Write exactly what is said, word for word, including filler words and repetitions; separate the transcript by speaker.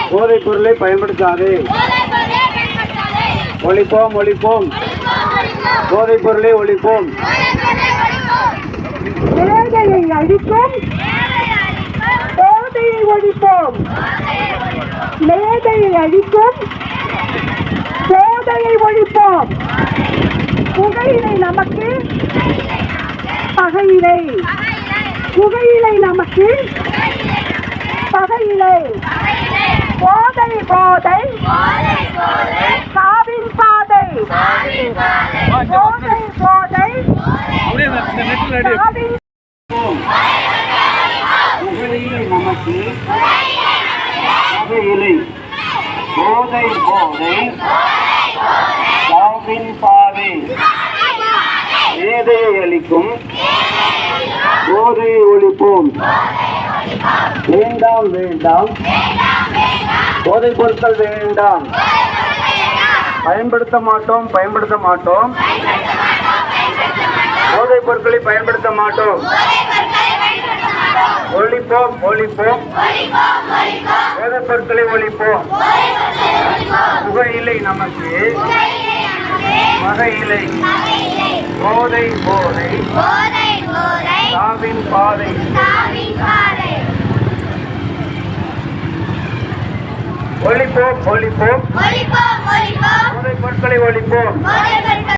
Speaker 1: போதைப் பொருளை பயன்படுத்தாதே. ஒழிப்போம் ஒழிப்போம் போதைப் பொருளை ஒழிப்போம்.
Speaker 2: மேதையை அழிப்போம், போதையை ஒழிப்போம். மேதையை அழிப்போம், போதையை ஒழிப்போம். புகையிலை நமக்கு பகையிலை, புகையிலை நமக்கு பகையிலை. போதை போதை சாவின் பாதை, போதை போதை சாவின்.
Speaker 1: புகையிலை நமக்கு பகையிலை, போதை போதை சாவின் பாதை. மேதையை அளிக்கும், போதையை ஒழிப்போம். வேண்டாம் வேண்டாம் போதைப் பொருட்கள் வேண்டாம். பயன்படுத்த மாட்டோம் பயன்படுத்த மாட்டோம் போதைப் பொருட்களை பயன்படுத்த மாட்டோம். ஒழிப்போம் ஒழிப்போம் போதைப் பொருட்களை ஒழிப்போம். புகையிலை நமக்கு மகையிலை, போதை போதை சாவின் பாதை. ஒழிப்போம் ஒழிப்போம் போதைப் பொருட்களை ஒழிப்போம்.